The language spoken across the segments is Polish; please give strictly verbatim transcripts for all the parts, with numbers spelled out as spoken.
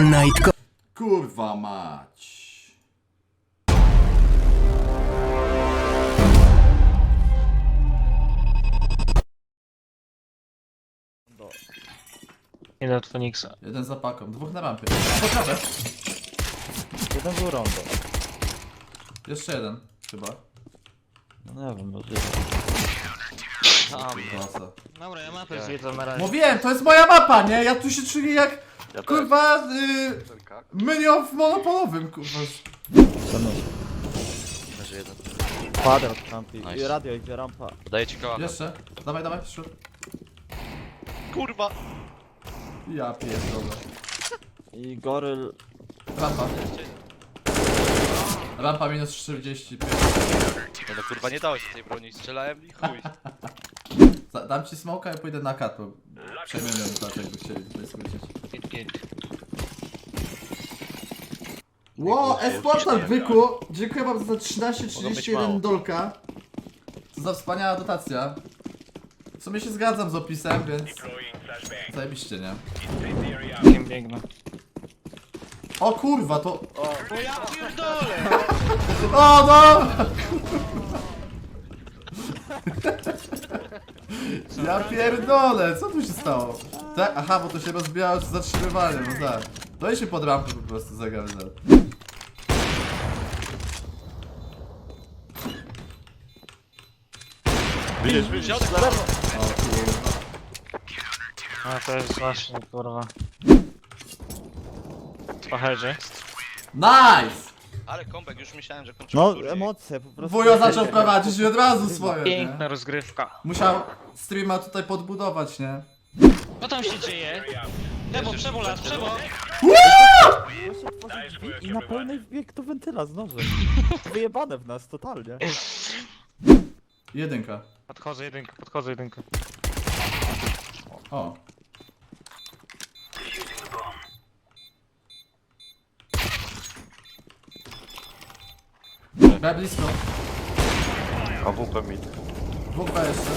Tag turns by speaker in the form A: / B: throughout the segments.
A: All Night.
B: Kurwa mać.
C: Idę od Feniksa.
B: Jeden za paką, dwóch na rampie. Potrafię.
D: Jeden był rondo.
B: Jeszcze jeden, chyba.
D: No nie wiem, może...
B: Klasa.
C: Dobra, ja mapę zwiedzam na razie.
B: Mówiłem, to jest moja mapa, nie? Ja tu się czuję jak,
E: Ja
B: kurwa, y, mylion w monopolowym, kurwa.
E: Leży jeden.
D: Kwadrat kampi.
E: Nice.
D: I radio idzie rampa.
E: Daję ci koła.
B: Jeszcze. Dawaj, dawaj, szut.
E: Kurwa!
B: Ja pierdolę.
D: I goryl...
B: Rampa. Rampa minus czterdzieści pięć.
E: No, no kurwa nie dałeś tej broni, strzelałem i chuj.
B: Da- Dam ci smoka i pójdę na kat, bo przejmiemy tak jakby chcieli tutaj skrócić.
C: Git, git.
B: Ło, Esportal Byku! Dziękuję wam za trzynaście
E: Mogą być
B: trzydzieści
E: mało.
B: jeden dolka. Co za wspaniała dotacja. W sumie się zgadzam z opisem, więc... Zajebiście, nie?
C: Kim biegnę.
B: O kurwa, to...
C: O ja pierdolę!
B: O no! Ja pierdolę, co tu się stało? Tak? Aha, bo to się rozbijało z zatrzymywaniem, no tak. To i się pod rampę po prostu zagadza.
E: Widzisz, widzisz?
B: O kurwa.
C: A to jest właśnie, kurwa. Po headzie.
B: Nice!
E: Ale kombek, już myślałem, że kończymy
D: No,
E: turniej.
D: emocje po prostu.
B: Wujo zaczął prowadzić i od razu swoje,
C: Piękna
B: nie?
C: rozgrywka.
B: Musiał streama tutaj podbudować, nie?
C: Co tam się dzieje? Lewo, przebo, las, przebo!
D: I na pełnej bieg do wentyla znowu. Wyjebane w nas, totalnie.
B: Jedynka.
C: Podchodzę jedynkę, podchodzę jedynkę.
B: O. B blisko.
E: A W P mid.
B: Dwóch B jeszcze.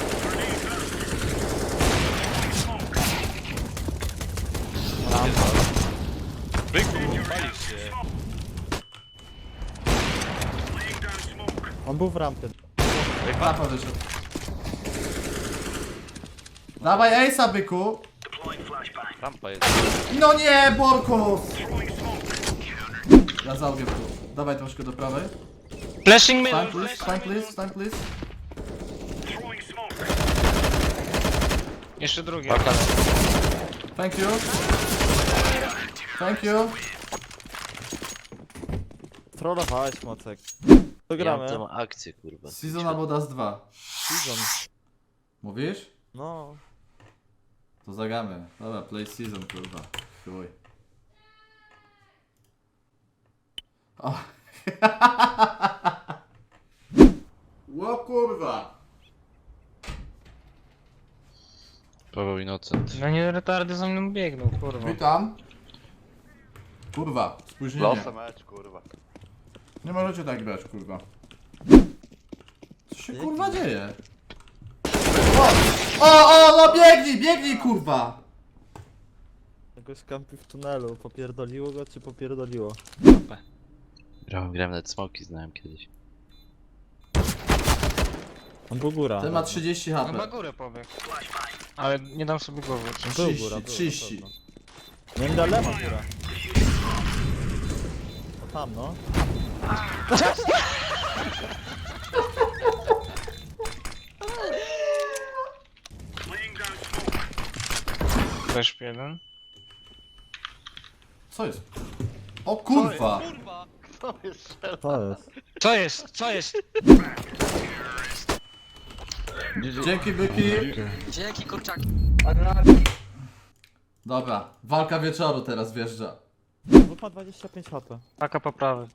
E: Byku, palisz się.
D: On był w rampie.
B: Rampa wyszedł. Dawaj Ace'a, byku.
E: Rampa jest.
B: No nie, Borkus! Ja załgę tu. Dawaj troszkę do prawej.
C: Flashing middle,
B: Stand please, stand please, stand please.
C: Jeszcze drugi.
B: Thank you. Thank you.
D: Trollowałeś, Mocek. To
E: Ja
D: gramy.
E: mam akcję, kurwa.
B: Season albo Das dwa.
D: Season.
B: Mówisz?
D: No.
B: To zagramy. Dobra, play season, kurwa. Chuj. O. Ło kurwa.
E: Paweł Innocent.
C: No nie retardy za mną biegną, kurwa.
B: Witam. Kurwa, spóźnienie.
E: Losa mecz, kurwa.
B: Nie możecie tak grać, kurwa. Co się kurwa dzieje? O! O, o, no biegnij, biegnij, kurwa!
D: Jakoś kampi w tunelu. Popierdoliło go, czy popierdoliło?
E: Grałem, grałem nawet smoki, znałem kiedyś.
D: On był góra.
B: Ten ma trzydzieści
C: No na
B: HP.
C: górę pobiegł. Ale nie dam sobie głowy.
D: On był
B: trzydzieści,
D: góra, był,
B: trzydzieści.
D: na pewno. Nie da lewa góra. O tam no.
C: Też jeden.
B: Co jest? O kurwa!
E: Kurwa! Kto jest strzelał?
D: To jest.
C: Co jest? Co jest?
B: Dzięki, byki.
F: Dzięki kurczak.
B: Dobra, walka wieczoru teraz wjeżdża.
D: Bo ma dwadzieścia pięć HP.
C: Taka poprawy.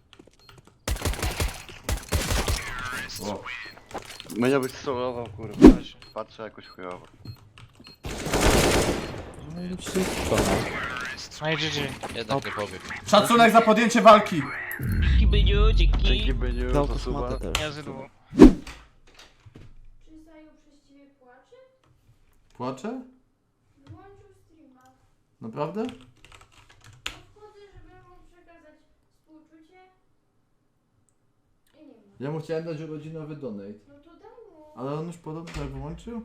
B: O.
E: Mnie byś solował, kurwa. Patrzę jakoś chujowo.
D: No i wszystko no.
C: No i G G.
E: Jednak nie pobiegł.
B: Szacunek za podjęcie walki!
C: Dzięki Byniu, dzięki.
E: Byniu,
D: Dał kosmatę też.
C: Ja zydło.
G: Czy Zaju przez ciebie płacze?
B: Płacze?
G: Wyłączył streama.
B: Naprawdę? Ja mu chciałem dać urodzinowy donate.
G: No to daj mu.
B: Ale on już podobno tak wyłączył?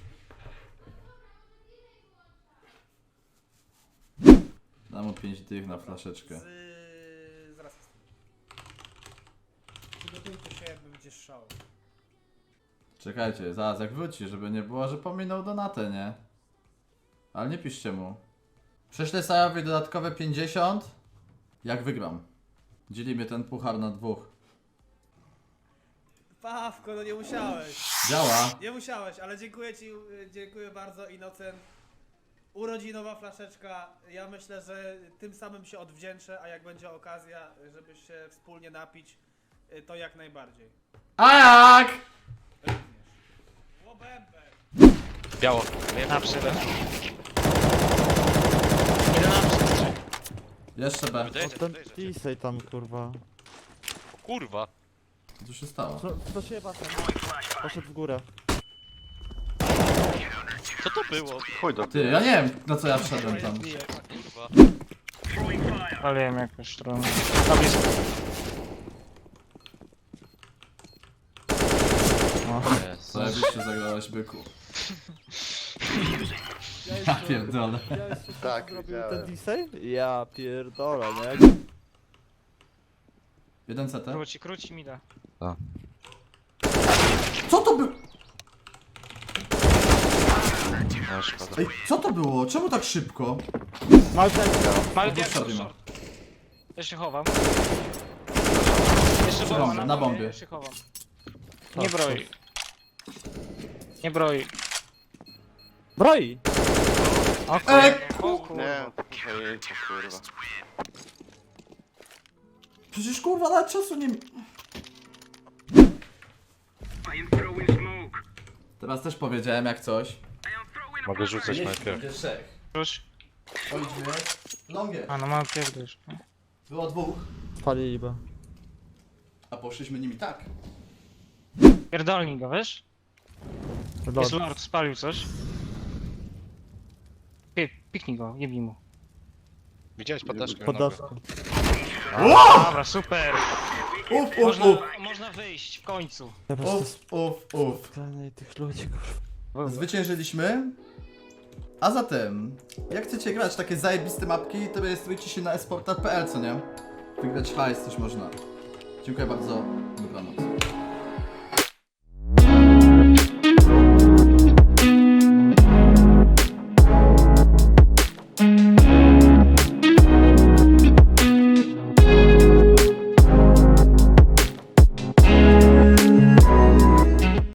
B: Dam mu pięć dych na flaszeczkę.
A: Z... Zaraz. Przygotujcie się, jakby będzie szał.
B: Czekajcie, zaraz jak wróci, żeby nie było, że pominął donatę, nie? Ale nie piszcie mu. Prześlę Sajowi dodatkowe pięćdziesiąt. Jak wygram. Dzielimy ten puchar na dwóch.
A: Pawko, no nie musiałeś.
B: Działa.
A: Nie musiałeś, ale dziękuję ci, y, dziękuję bardzo, Innocent. Urodzinowa flaszeczka. Ja myślę, że tym samym się odwdzięczę, a jak będzie okazja, żeby się wspólnie napić, y, to jak najbardziej.
B: A jak?
A: Również. Łobębek.
C: Biało. Na przede. Idę na przede.
B: Jeszcze B.
D: O, ten Tisej tam, kurwa.
C: Kurwa.
B: Co się stało?
D: Co, co się basen? Poszedł w górę.
C: Co to było?
E: Chuj do
B: Ty, ja nie wiem na co ja wszedłem tam.
C: Kurwa.
F: Ale wiem jakąś stronę. Na blisko.
B: Zajebiście zagrałeś byku. Ja pierdolę.
D: Widziałeś, co
E: Tak,
D: zrobił
E: widziałem.
D: ten Tisej? Ja pierdolę, nie?
B: Jeden C T.
F: Króci, króci mi da.
B: Co to było?
C: No szkoda.
B: Ej, co to było? Czemu tak szybko?
F: Mały
B: No,
F: diak,
B: short nie ma.
F: short. Ja się chowam. Jeszcze
B: Przy
F: bomba,
B: bombie, na bombie.
F: Ja się chowam. Nie broi. Nie broi.
D: Broi!
F: O
B: Ej,
F: kurwa. O kurwa.
E: Nie, ojej, kurwa.
B: Przecież kurwa nawet czasu nie... Teraz też powiedziałem jak coś.
C: Mogę rzucać najpierw.
B: Będzie trzech.
F: Rzuć.
B: Pojdźmy. Longie.
F: A no mam pierdolisz.
B: Było dwóch,
D: Spalili B.
B: a poszliśmy nimi tak.
F: Pierdolnij go, wiesz? Jest lord, spalił coś. Pie, piknij go, jebnij mu.
C: Widziałeś podaszkę?
D: Podaszkę.
F: Dobra, super.
B: Uf, uf,
F: Można,
B: uf,
F: można wyjść w końcu.
D: Ja po prostu
B: uf, uf, uf.
D: spalenie tych ludzi, kurwa.
B: Zwyciężyliśmy. A zatem, jak chcecie grać takie zajebiste mapki, to rejestrujcie się na esporta kropka p l, co nie? Wygrać hajs też można. Dziękuję bardzo, dobranoc.